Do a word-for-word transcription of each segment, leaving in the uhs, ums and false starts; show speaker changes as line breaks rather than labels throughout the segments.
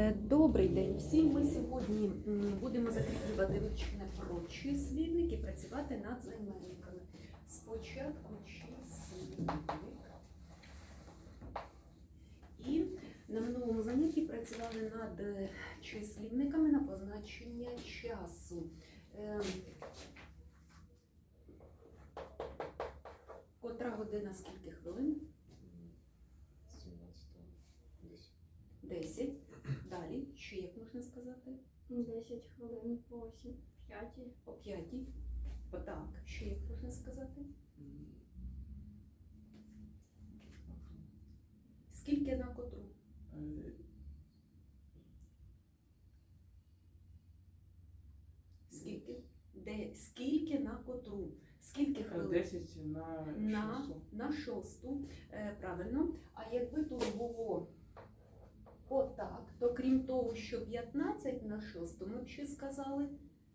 Добрий день всім. Ми сьогодні будемо закріплювати вивчення про числівник і працювати над займенниками. Спочатку числівник. І на минулому занятті працювали над числівниками на позначення часу. Котра година, скільки хвилин? десять. Далі, ще як можна сказати?
десять хвилин по п'ятій.
По п'ятій. Так, ще як можна сказати? Скільки на котру? Скільки? Де? Скільки на котру? Скільки хвилин?
десять на
на,
шосту.
на шосту. Е, правильно. А якби тут було отак, то крім того, що п'ятнадцять на шосту, ми б ще сказали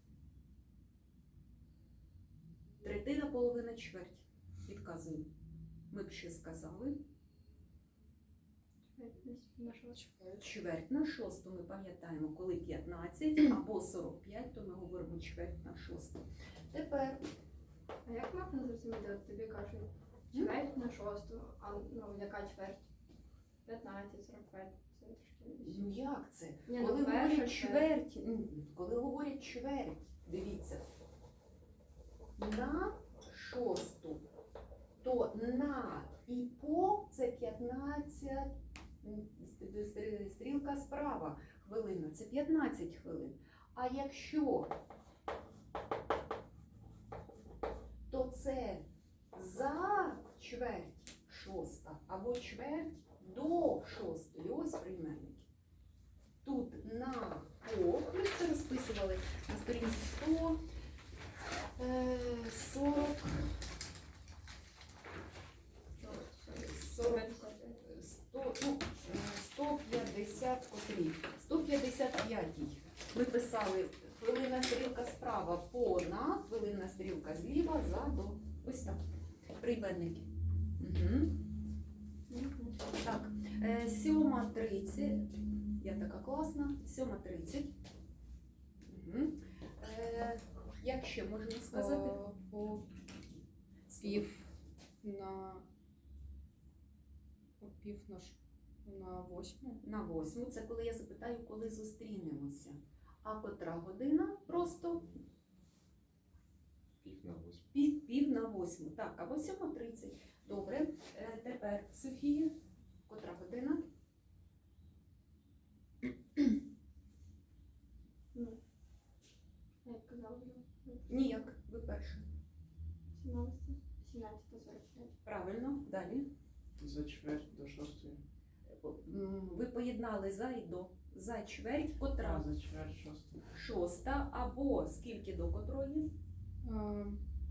третина, половина, чверть. Підказую. Ми б ще сказали
На шосту.
чверть на шосту. Ми пам'ятаємо, коли п'ятнадцять або сорок п'ять, то ми говоримо чверть на шосту. Тепер
А як можна зрозуміти, от тобі кажуть, чверть на шосту, а ну яка чверть? п'ятнадцять, сорок п'ять. Це трошки.
ну як це?
Ні, ну,
Коли
перша
говорять
чверть.
чверть, м, коли говорять чверть, дивіться, на шосту, то на і по це п'ятнадцять, м, стрі- стрілка справа, хвилина, це п'ятнадцять хвилин. А якщо, то це за чверть шоста або чверть до шостої. Ось прийменники. Тут на по, ми це розписували на сторінці сто сорок, сорок, сто, ну, сто п'ятдесят котрі, сто п'ятдесят п'ятій. Ми писали хвилина стрілка справа по на, хвилина стрілка зліва за до. Ось так. Прийменники. Угу. Так, е, сьома тридцять. Я така класна. Сьома тридцять. Угу. Е, як ще можна сказати?
По пів на по пів на, ш- на восьму.
На восьму. Це коли я запитаю, коли зустрінемося. А котра година? Просто
Пів на восьму.
пів, пів на восьму. Так, або сьома тридцять. Добре. Е, тепер, Софія, котра година?
Ну, як казала вже.
Ніяк, ви перша.
сімнадцята сорок п'ять.
Правильно, далі.
За чверть до шостої.
М, Ви поєднали за і до. За чверть,
А,
котра?
за чверть шостої.
Шоста, або скільки до котрої?
А,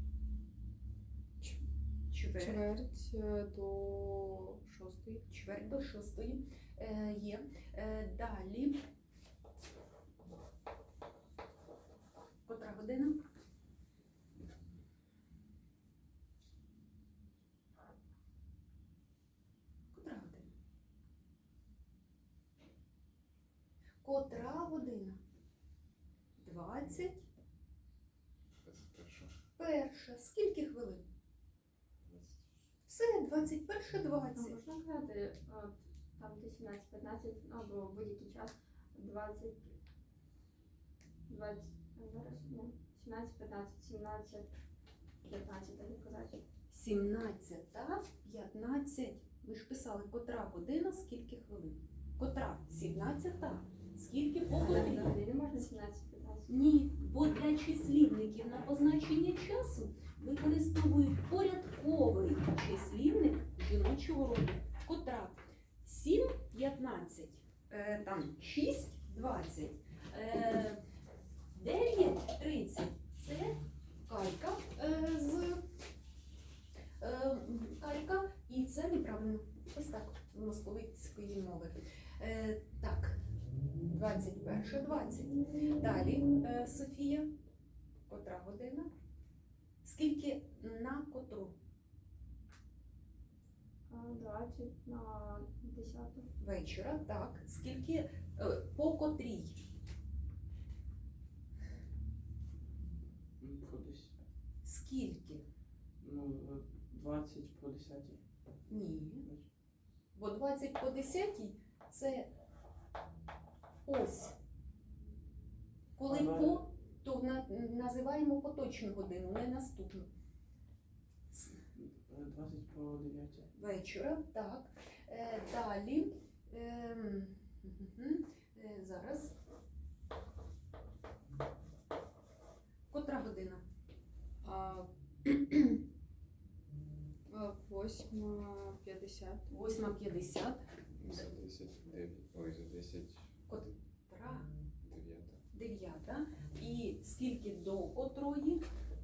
Чверть.
чверть е, до шостої.
Чверть до шостої. Е, є. Е, далі. Котра година? Котра година? Котра година? Двадцять. Перша. Скільки хвилин? Все, двадцять перша,
А
двадцять.
можна казати, от, там де сімнадцять п'ятнадцять, або в будь-який час, двадцять, двадцять, зараз, ні, сімнадцять п'ятнадцять, сімнадцять п'ятнадцять, так казати.
сімнадцята, п'ятнадцять. Ви ж писали, котра година, скільки хвилин? Котра? сімнадцята. Скільки по
А на
годині?
годині можна сімнадцять п'ятнадцять?
Ні, бо для числівників на позначення часу використовують порядковий числівник жіночого роду. Котра? сім п'ятнадцять, е, там шість двадцять, е, дев'ять тридцять. Це калька е, з е, калька, і це неправильно. Ось так, з московицької мови. Е, так, двадцять перша, двадцять. Далі, е, Софія, котра година? Скільки на котру?
двадцять на десяту.
вечора, так. Скільки е, по котрій?
Ну, по десять.
Скільки?
Ну, двадцять по десятій.
Ні. Бо двадцять по десятій це ось. Коли
Ага.
по, то на, називаємо поточну годину, не наступну.
Е, двадцять по дев'ятій.
Вечора, так. Е, далі. Ем, мгм, е, зараз. Котра година?
А, а, восьма п'ятдесят.
восьма п'ятдесят.
За десять, дев'ять. Ой, за десять,
Котра?
дев'ята.
Дев'ята. І скільки до котрої?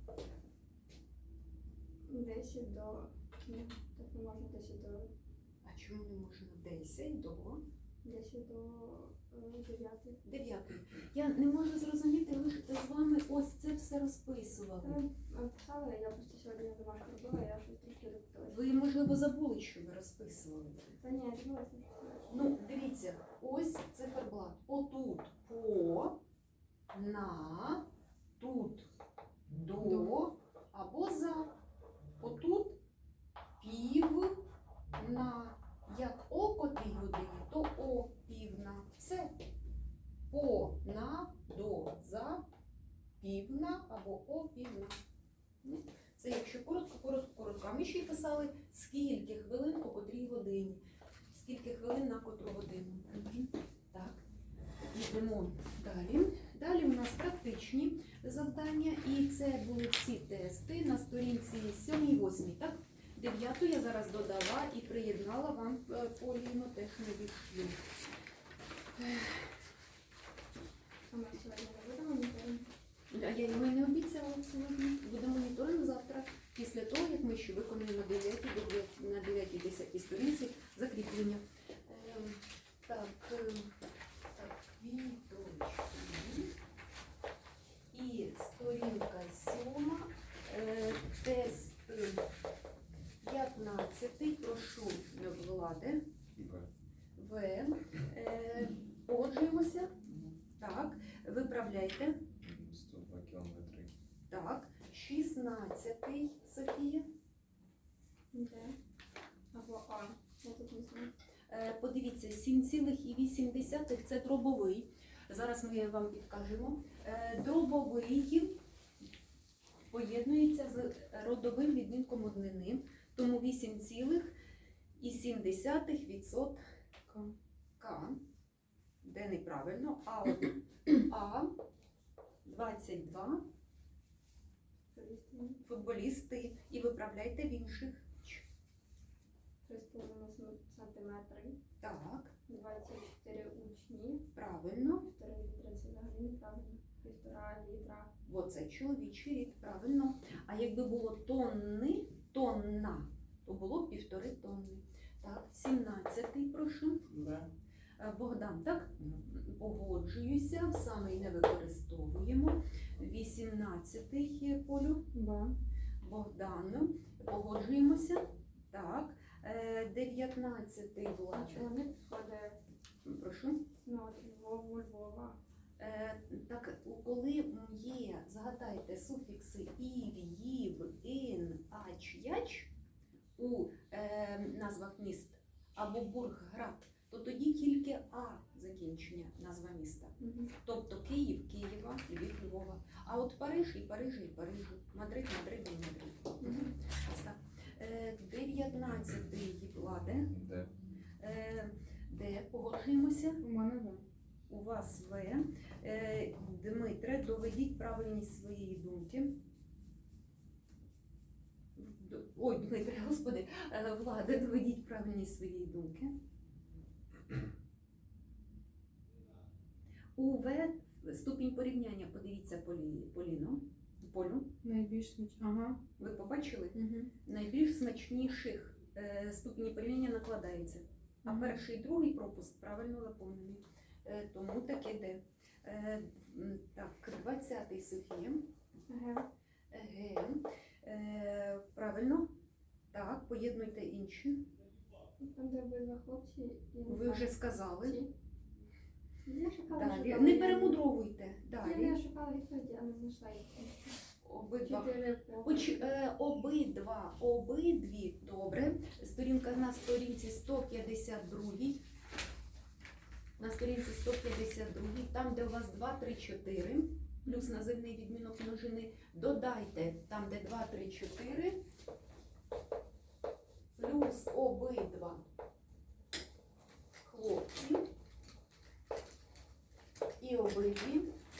десять до. Ні, так не можна десять до.
А чому не можна? десять до
десять до е, дев'ятої.
дев'ятої. Я не можу зрозуміти, ви ж з вами ось це все розписували.
Ми писали, я просто сьогодні на домашку робила, я щось трішки запиталася.
Ви, можливо, забули, що ви розписували.
Та ні, я дивилася, що це.
Ну, дивіться, ось циферблат. Отут по, на, тут до або за. Отут пів на. Як о котрій годині, то о півна. Все. По, на, до, за, півна або о півна. Ну, це якщо коротко, коротко, коротко. А ми ще й писали, скільки хвилин по котрій годині. Скільки хвилин на котру годину. Мгм. Так. Йдемо далі. Далі у нас практичні завдання. І це були всі тести на сторінці сьомій восьмій. Так? Дев'яту я зараз додала і приєднала вам е, Поліно, теж не відшлю.
А ми сьогодні не будемо ніколи.
А я його й не обіцяла сьогодні. Буде моніторинг завтра, після того, як ми ще виконуємо дев'ятій, на дев'ятій десятій сторінці закріплення. Ем, Так, ем, так, квіточки. І сторінка сьома, е, тест п'ятнадцятий, прошу Влади.
В.
В. Е, Погоджуємося. Так, виправляйте.
сто два кілометри.
Так, шістнадцятий, Софія.
Де? Або А. Я тут не знаю.
Е, Подивіться, сім цілих вісім десятих це дробовий. Зараз ми вам підкажемо. Е, Дробовий поєднується з родовим відмінком однини, тому вісім цілих сім десятих відсотка. К, де неправильно, а, от, а двадцять два
Футболісти.
футболісти і виправляйте в інших.
три з половиною сантиметри.
Так,
двадцять чотири учні.
правильно.
Півтори літра це взагалі неправильно. Півтора літра.
Бо це чоловічий рід, правильно. А якби було тонни, тонна, то було б півтори тонни. Так, сімнадцятий, прошу.
Б.
Е, Богдан, так?
Мгм.
Погоджуюся, саме й не використовуємо. вісімнадцятий, Полю.
Ба.
Богдану. Погоджуємося. Так. Е, дев'ятнадцятий,
А
Влад.
чого не підходить?
Прошу.
Ну, от Львову, Львова.
Е, Так, коли є, згадайте, суфікси ів, їв, ін, ач, яч у е, назвах міст або бург, град, то тоді тільки А закінчення назва міста.
Угу.
Тобто Київ, Києва, Львів, Львова. А от Париж і Парижа і Парижу, Мадрид, Мадрид і Мадрид.
Угу.
Ось так. Е, дев'ятнадцятий, Владе.
Д.
Е, Де погоджуємося?
У мене В.
У вас В. Е, Дмитре, доведіть правильність своєї думки. Д- Ой, Дмитре, господи, Е, Влада, доведіть правильність своєї думки. У В ступінь порівняння, подивіться, Полі, Поліно, Полю.
Найбільш сміч. Ага.
Ви побачили?
Угу.
Найбільш смачніших е, ступені порівняння накладається. А
Мгм.
перший і другий пропуск правильно заповнений. Е, тому таке де. Е, м, так, двадцятий, Софія.
Г.
Г. Е, правильно. Так, поєднуйте інші.
Там, де обидва хлопці і
Ви вже сказали.
ті. Я шукала,
Далі.
шукала.
Не перемудровуйте.
Я не
Далі.
шукала відповіді, а не знайшла їх.
Обидва.
Чотири по...
Поч, е, обидва, обидві, добре. Сторінка на сторінці сто п'ятдесят два. На сторінці сто п'ятдесят два, там, де у вас два, три, чотири, плюс називний відмінок множини, додайте там, де два, три, чотири, плюс обидва хлопці і обидві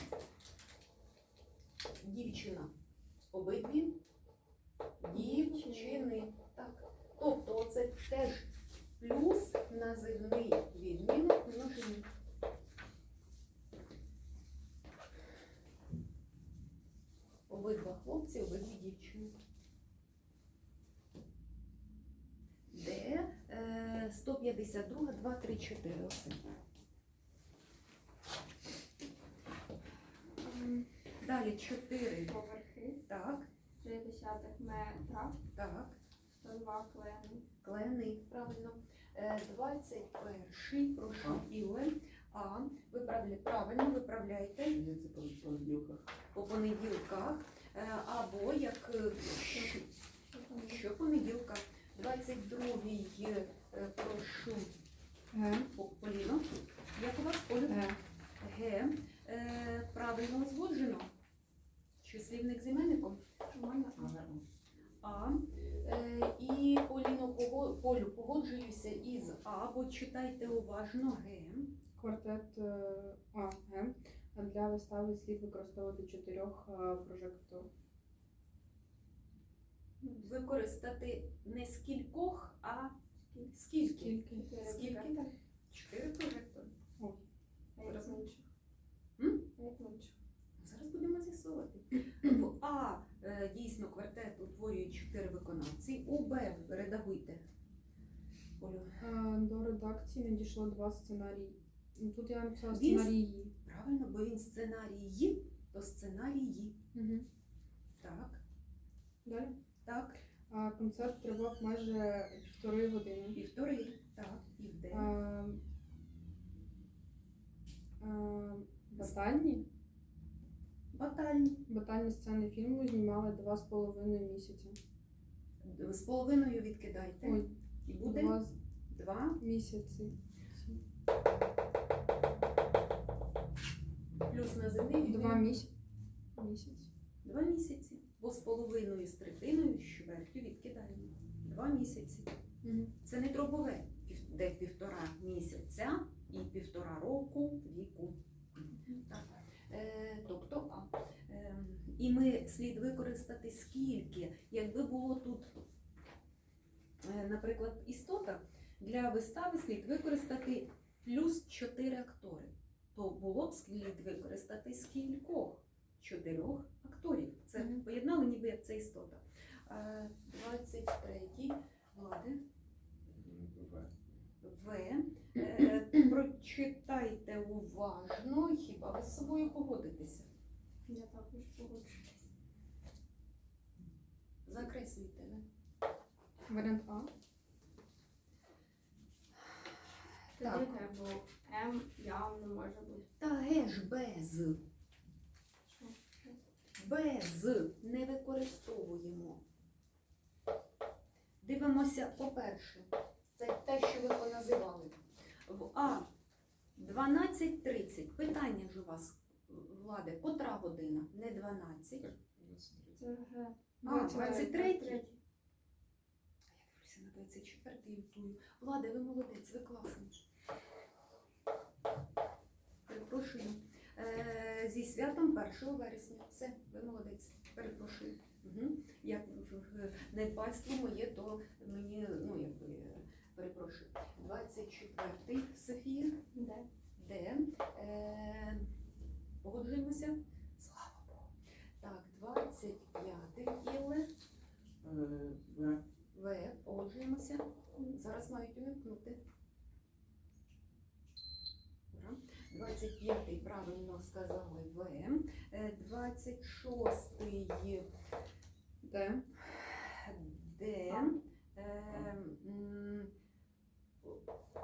дівчина. Обидві дівчини. Так. Тобто це теж плюс називний відмінок множини. Обидва хлопці, обидві дівчини. Де е, сто п'ятдесят два, два, три, чотири. Оце. М, Далі чотири.
Поверхи,
Так,
три десятих метра,
так.
сто два клени.
Клени, правильно. Е, двадцять перший, прошу, Іле. А, виправля... правильно, виправляйте
Я це по понеділках.
по понеділках. Е, або як е, щ-
Що там є?
щопонеділка. двадцять другий, е, прошу,
Г.
По- Поліно. Як у вас, Оля?
Г.
Г. Е, правильно узгоджено. Числівник з іменником.
Нормально?
Ага.
А. Е, і Поліно, пого- Полю, погоджуюся із А, бо читайте уважно Г.
Квартет е, А. Г. А для вистави слід використовувати чотирьох е, прожекторів.
Використати не скількох, а скільки?
Скільки?
Чотири
Скільки?
прожектори.
Чотири прожектори.
А як в інших?
М?
А як в інших?
Зараз будемо з'ясовувати. В А е, дійсно квартет утворює чотири виконавці. У Б редагуйте. Олю.
Е, До редакції надійшло два сценарії. Ну, тут я написала
Він-
сценарії.
Правильно, бо він сценарії, то сценарії.
Угу.
Так,
Далі.
так.
А, концерт тривав майже півтори години.
Півтори. Так, і в Д.
А, а, батальні.
Батальні.
Батальні сцени фільму знімали два з половиною місяці.
З половиною відкидайте.
Ой,
І буде
два з-
два.
місяці.
Плюс називний відмінок.
Два місяці. Місяць.
Два місяці. Бо з половиною, з третиною, з чвертю відкидаємо. Два місяці.
Угу.
Це не дробове, пів- де півтора місяця і півтора року віку. Так. Е, тобто А. Е, і ми слід використати скільки. Якби було тут, е, наприклад, істота, для вистави слід використати плюс чотири актори. То було б слід використати скількох? Чотирьох акторів. Це
Мгм.
поєднали ніби як це істота. Е, двадцять третій. Влади.
В.
В. Е, прочитайте уважно, хіба ви з собою погодитеся.
Я також погоджуюсь.
Закреслюйте. не?
Варіант А.
Так.
Тоді треба було М явно може бути.
Та ге ж без.
Що?
Без не використовуємо. Дивимося, по-перше, це те, що ви поназивали. В А дванадцять тридцять. Питання ж у вас, Владе, котра година? Не дванадцять.
Так, двадцять три.
Це Г.
А, двадцять третій.
третій.
А я дивлюся на двадцять четвертий лютую. Владе, ви молодець, ви класний. Перепрошую. Е, зі святом першого вересня. Все, ви молодець. Перепрошую. Угу. Як е, недбальство моє, то мені, ну якби, е, перепрошую. двадцять четвертий, Софія.
Де?
Де? Е, погоджуємося? Слава Богу. Так, двадцять п'ятий, Іле.
Е, В.
В, погоджуємося. Зараз мають уникнути. Ура. двадцять п'ятий правильно сказали В. Е, двадцять шостий
Д.
Д. Е, м,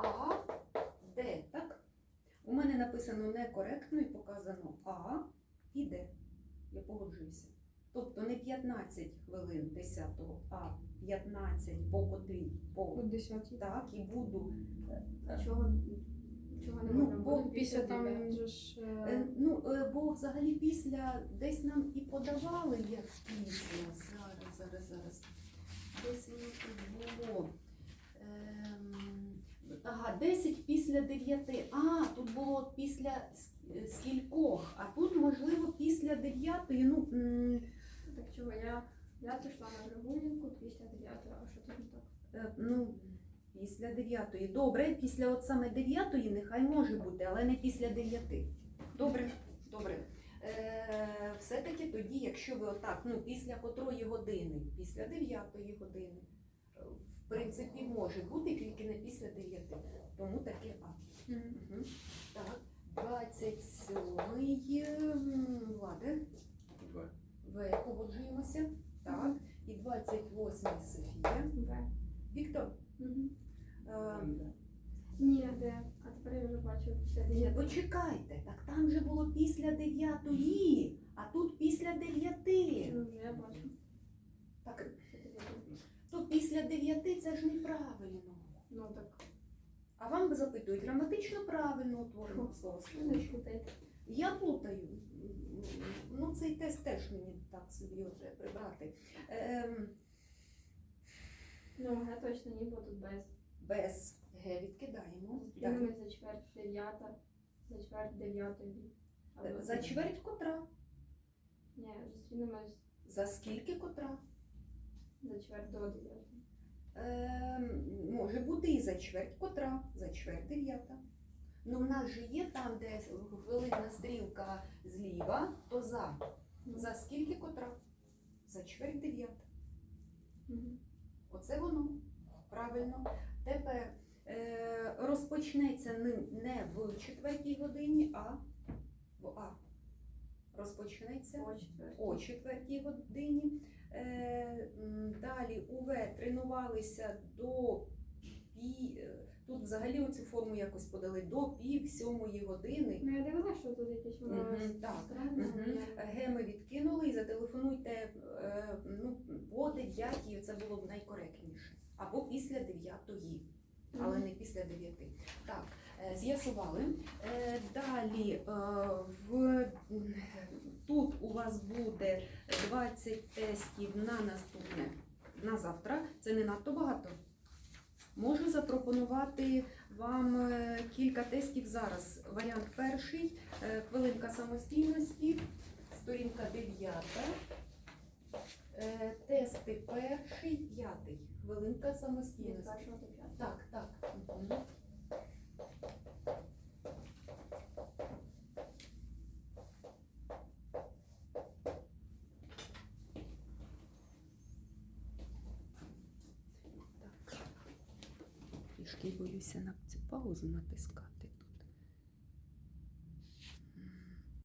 А, Д, так? У мене написано некоректно і показано А і Д. Я погоджуюся. Тобто не п'ятнадцять хвилин десятого, а п'ятнадцять по котрій по
От десятій.
так і буду.
А чого, чого не
Ну,
можна
бо
буде
Після там
дев'ятого?
він же ж. е,
Е, Ну, е, бо взагалі після десь нам і подавали як після. Зараз, зараз, зараз. Десь воно тут було. Ем, Ага, десять після дев'яти. А, тут було після ск- скількох, а тут, можливо, після дев'ятої. Ну, м,
Так чого, я, я прийшла на прогулянку після дев'ятого, а що тут не так?
е, ну, після дев'ятої. Добре, після от саме дев'ятої нехай може бути, але не після дев'яти. Добре, добре. Е, все-таки тоді, якщо ви отак, ну, після котрої години, після дев'ятої години, е, в принципі, може бути, тільки не після дев'яти. Тому таке А.
Мгм.
Угу. Так, двадцять сьомий м, Влада,
В.
В, погоджуємося. Так, і двадцять восьмий Софія.
В.
Віктор,
Угу.
е,
Ні, де? А тепер я вже бачу після дев'ятого.
почекайте, так там же було після дев'ятої, а тут після дев'яти.
Ну, вже я бачу.
Так,
Що ти робиш?
то після дев'яти це ж неправильно.
Ну так,
А вам запитують граматично правильно утворено
не
словосполучення.
плутайте.
Я плутаю. Ну, цей тест теж мені так собі от треба прибрати. Ем,
Ну, Г точно ні, бо тут без.
без Г відкидаємо.
Зустрінемось за чверть дев'ята, за чверть дев'ятої. Або
Далі. За чверть котра?
Ні, зустрінемось
За скільки котра?
за чверть до дев'ятої.
Ем, може бути і за чверть котра, за чверть дев'ята. Ну, в нас же є там, де хвилинна стрілка зліва, то за. За скільки котра? За чверть дев'ята.
Мгм.
Оце воно. Правильно. Тепер е, розпочнеться не, не в четвертій годині, а в А. Розпочнеться
О четвертій.
о четвертій годині. Е, м, далі у В тренувалися до пі... е, Тут взагалі оцю форму якось подали до пів сьомої години.
Ну, я дивилася, що тут якесь воно
Мгм, так.
странне.
Мгм.
але-
Г ми відкинули і зателефонуйте е, ну, по дев'ятій, це було б найкоректніше. Або після дев'ятої, але не після дев'яти. Так, е, з'ясували. Е, Далі е, в, тут у вас буде двадцять тестів на наступне, на завтра. Це не надто багато. Можу запропонувати вам е, кілька тестів зараз. Варіант перший, е, хвилинка самостійності, сторінка дев'ята. Е, Тести перший, п'ятий, хвилинка
Від
самостійності.
першого до п'ятого.
Так, так. Мгм. Так. Трішки боюся на цю паузу натискати.